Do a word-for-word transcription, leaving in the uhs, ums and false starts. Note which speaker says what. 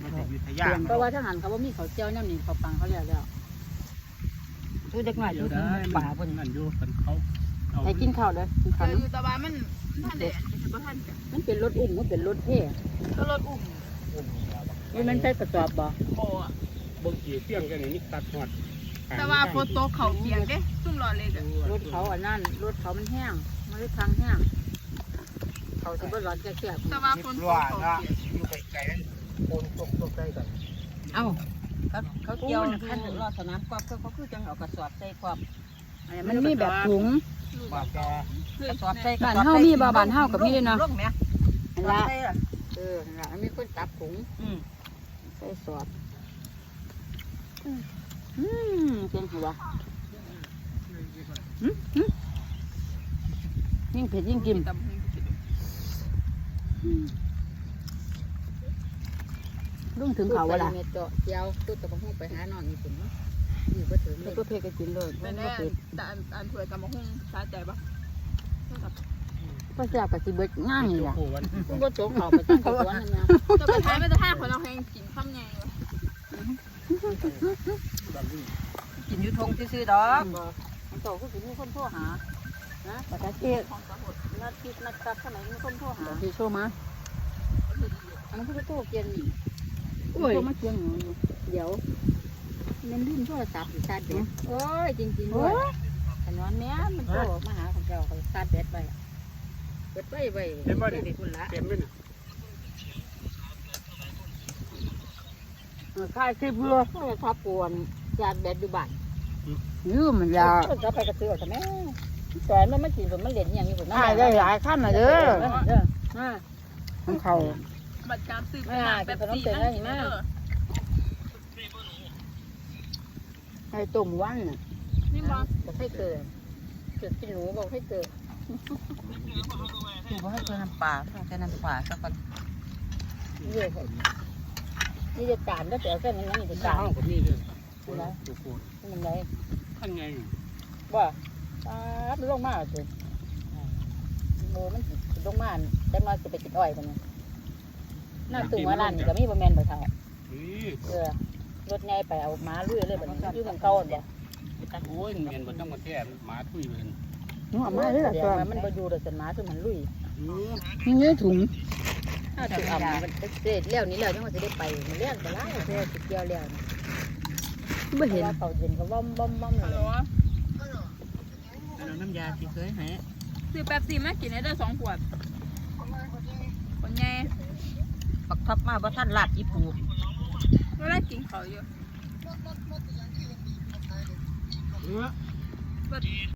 Speaker 1: เพราะว่าถ้าหันเขาว่ามีเขาเจียวน้ำนี่เขาปังเขาแล้วแล้วทุเด็กหน่อยทุป่าคนนั่นอยู่คนเขาไปกินข้าวเลยกินข้าวอยู่ตะวันมันท่านเด็ดมันเป็นรถอุ้มมันเป็นรถเท่ก็รถอุ้มนี่มันใช้กระสอบบ่โอ้บางทีเสี่ยงกันนี่ตัดหอดแต่ว่าโฟโต้เขาเปียกเด้ซุ่มรอเลยรถเขาอันนั้นรถเขามันแห้งมันเลยทางแห้งเขาจะบ่ร้อนแก่ๆแต่ว่าโฟโต้เขาเปียกอยู่ไกลๆนั่นโคนตกตกใกล้กันเอ้าเขาเขาเกี่ยวขั้นรอสนามกอบเขาเขาคือจังเอากระสอบใส่กอบมันมีแบบถุงกระสอบใส่บ้านเฮามีบ่บ้านเฮากับมีเลยเนาะอันละเอออันละมีคนจับถุงใส่สอบอืมเป็นหัวยิ่งเผ็ดยิ่งกินลุงถึงเขาวะล่ะเม็ดเจาะเจียวตุ๊ดตะบังหุ่งไปหานอนมีถึงมั้งอยู่ก็ถึงก็เผ็ดก็กินเลยไม่แน่แต่อันอันถวยตะบังหุ่งสาใจปะก็แซ่บกับสิเบิดง่ายเลยตุ้งก็โจ๊กเขาไปตั้งตัวนั่นนะจะไปท้ายไม่จะท้ายคนเราแข่งกินข้าวไงกินยูทงซื้อดอกมันโตก็ถึงมีคนโทรหานะแต่ถ้าเจ๊นัดคิดนัดกลับสมัยมีคนโทรหาพี่โชว์มาอันนั้นคือโทรเกียนนี่โอ้ยมาเกียนอยู่เดี๋ยวเล่นรุ่นโทรศัพท์ชาร์จแบตโอ้ยจริงๆด้วยขนอนเนี้ยมันโทรมาหาของเราเขาชาร์จแบตไปเปิดไปไปเต็มเลยคุณละเต็มเลยค่ายที่เพื่อเพื่อทับปวนชาร์จแบตอยู่บ้านยืมมันยาจะไปกระเตือแต่แม่แต่มันไม่กินผมมันเด่นอย่างนี้ผมไม่ได้หลายขั้นมาเด้อของเขาบัตรการซื้อเป็นแบบสีนั่นเห็นไหมไข่ตุ่มวันน่ะนี่บอกบอกให้เกิดเกิดกินหนูบอกให้เกิดบอกให้เกิดน้ำปลาแค่น้ำปลาสักคนเยอะเลยนี่จะการก็แต่แค่นั้นนี่จะการนี่เลยนะมันไงขั้นไงว่ามันลงมาสิโมมันลงมาจังน้อยจะไปกินอ้อยกันน่าตึงว่าร้านก็มีบะแมนบะเทาเออรถไงไปเอาม้าลุยเลยแบบนี้อยู่ของเขาเนี่ยโอ้ยเมียนบนต้องมาแก้ม้าทุยเลยหัวม้าเลยตัวมันบอยู่แต่ส่วนม้าส่วนมันลุยนี่เงี้ยถุงถ้าถุงอ่ำมันเสร็จแล้วนี่แล้วยังว่าจะได้ไปมันเลี้ยงไปแล้วแค่สิเกี่ยวแล้วไม่เห็นเขาเย็นก็บ้อมบ้อมบ้อมเลยน้ำยาที่เคยให้ซื้อแป๊บซี่มากินได้สองขวดคนไงปักทับมาบ่ท่านลาดอีปูก็ได้กินเขาอยู่